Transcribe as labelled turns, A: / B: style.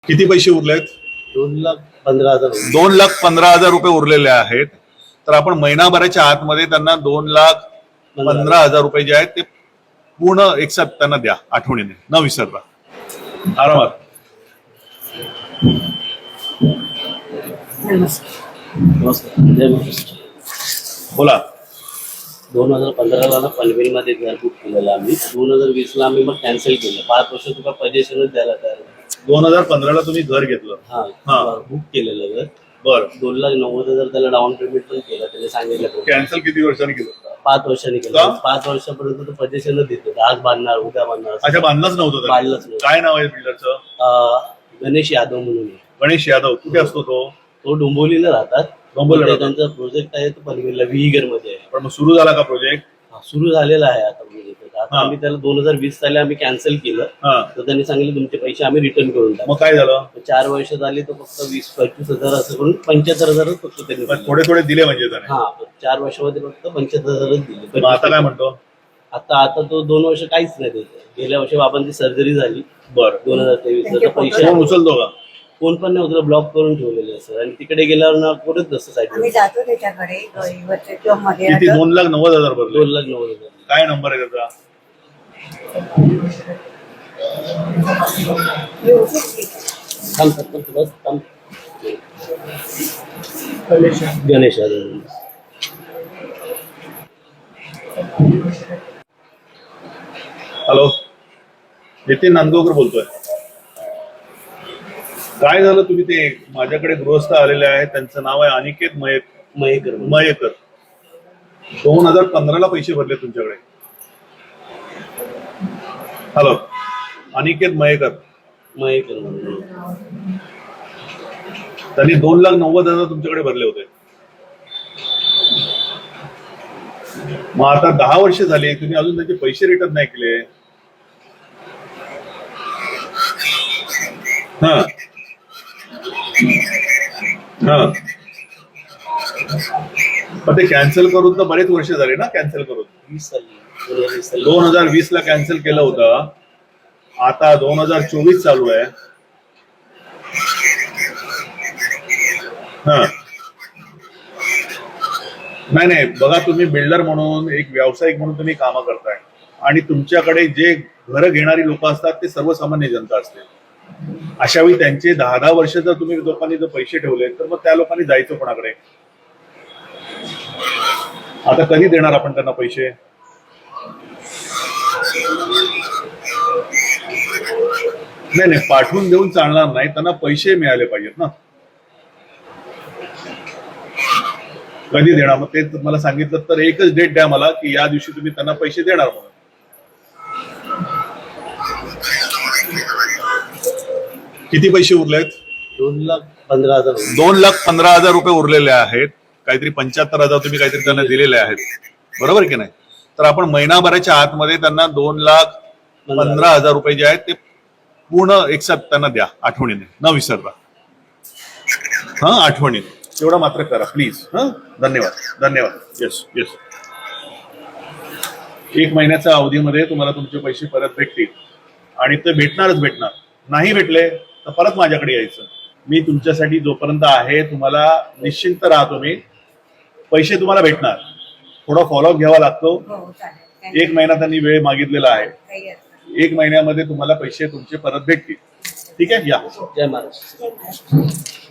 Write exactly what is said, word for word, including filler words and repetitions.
A: किती पैसे उरलेत?
B: दोन लाख पंधरा हजार
A: दोन लाख पंधरा हजार रुपये उरलेले आहेत. तर आपण महिनाभराच्या आतमध्ये त्यांना दोन लाख पंधरा हजार रुपये जे आहेत ते पूर्ण एकसाथ त्यांना द्या, आठवणीने न विसरता. आरामात. बोला.
B: दोन हजार पंधराला ना पनवेलमध्ये घर बुक केलेलं आम्ही. दोन हजार वीस ला आम्ही मग कॅन्सल केलं. पाच वर्ष तुला पजेशनच द्यायला तयार.
A: दोन हजार पंधराला तुम्ही घर घेतलं?
B: हा, बुक केलेलं घर.
A: बरं.
B: दोन लाख नव्वद हजार त्याला डाऊन पेमेंट पण केलं. त्याने सांगितलं
A: कॅन्सल किती वर्षांनी केलं?
B: पाच वर्षांनी केलं. पाच वर्षापर्यंत तो पजेशनच देतो. आज बांधणार, उद्या बांधणार.
A: अच्छा, बांधलंच नव्हतं?
B: बांधलंच नव्हतं.
A: काय नाव आहे बिल्डरचं?
B: गणेश यादव म्हणून.
A: गणेश यादव. कुठे असतो तो?
B: तो डोंबिवलीला राहतात.
A: डोंबिवलीला.
B: त्यांचा प्रोजेक्ट आहे तो पनवेलला विहीगर मध्ये आहे.
A: पण मग सुरू झाला का प्रोजेक्ट?
B: सुरू झालेला आहे आता. म्हणजे आता आम्ही त्याला दोन हजार वीस साली आम्ही कॅन्सल केलं. तर त्यांनी सांगितलं तुमचे पैसे आम्ही रिटर्न करून टाकू.
A: मग काय झालं?
B: चार वर्ष झाली तर फक्त वीस पंचवीस हजार असं करून पंच्याहत्तर हजारच फक्त त्यांनी
A: थोडे थोडे दिले म्हणजे त्याने?
B: हा, चार वर्षामध्ये फक्त पंच्याहत्तर हजारच दिले.
A: आता काय म्हणतो?
B: आता आता तो दोन वर्ष काहीच नाही देत. गेल्या वर्षी बाबांची सर्जरी झाली.
A: बरं.
B: दोन हजार तेवीस पैसे
A: उचलतो का?
B: कोण पण नाही उचलत. ब्लॉक करून ठेवलेले असं. आणि तिकडे गेल्यावर ना कुठेच नसतं साईड.
C: आम्ही जातो त्याच्याकडे किंवा मध्ये
A: किती? दोन लाख नव्वद हजार भरले?
B: दोन लाख नव्वद हजार. काय
A: नंबर आहे त्याचा?
B: थांब थांब बस थांब. गणेश यादव.
A: हॅलो, नितीन नांदगावकर बोलतोय. काय झालं? तुम्ही ते माझ्याकडे गृहस्थ आलेले आहेत, त्यांचं नाव आहे अनिकेत मयेक
B: मयेकर.
A: मयेकर. दोन हजार पंधराला पैसे भरले तुमच्याकडे? हॅलो, अनिकेत मयेकर.
B: मयेकर
A: त्यांनी दोन लाख नव्वद हजार तुमच्याकडे भरले होते. मग आता दहा वर्ष झाली, तुम्ही अजून त्याचे पैसे रिटर्न नाही केले. हा हा पण ते कॅन्सल करून तर बरेच वर्ष झाले ना. कॅन्सल करून
B: वीस साली
A: दोन हजार वीस ला कॅन्सल केलं होतं. आता दोन हजार चोवीस चालू आहे. हा, नाही नाही, बघा, तुम्ही बिल्डर म्हणून, एक व्यावसायिक म्हणून तुम्ही कामं करताय आणि तुमच्याकडे जे घरं घेणारी लोक असतात ते सर्वसामान्य जनता असते. अशा वेळी त्यांचे दहा दहा वर्ष जर तुम्ही लोकांनी जर पैसे ठेवले तर मग त्या लोकांनी जायचं कोणाकडे? आता कधी देणार आपण त्यांना पैसे? नाही नाही, पाठवून देऊन चालणार नाही, त्यांना पैसे मिळाले पाहिजेत ना. कधी देणार? मग ते मला सांगितलं तर एकच डेट द्या मला की या दिवशी तुम्ही त्यांना पैसे देणार म्हणून. किती पैसे उरलेत?
B: दोन लाख पंधरा हजार.
A: दोन लाख पंधरा हजार रुपये उरलेले आहेत. काहीतरी पंच्याहत्तर हजार तुम्ही काहीतरी त्यांना दिलेले आहेत, बरोबर की नाही? तर आपण महिनाभराच्या आतमध्ये त्यांना दोन लाख पंधरा हजार रुपये जे आहेत ते पूर्ण एकसाथ त्यांना द्या, आठवणीने न विसरता. हा, आठवणीने तेवढा मात्र करा प्लीज. हा, धन्यवाद धन्यवाद. Yes yes. एक महिन्याच्या अवधीमध्ये तुम्हाला तुमचे पैसे परत भेटतील आणि ते भेटणारच भेटणार. नाही भेटले तर परत माझ्याकडे यायचं. मी तुमच्यासाठी जोपर्यंत आहे, तुम्हाला निश्चिंत राहतो. मी पैसे तुम्हाला भेटणार. थोडा फॉलोअप घ्यावा लागतो. एक महिना त्यांनी वेळ मागितलेला आहे. एक महिन्यामध्ये तुम्हाला पैसे तुमचे परत भेटतील. ठीक आहे? या.
B: जय महाराष्ट्र.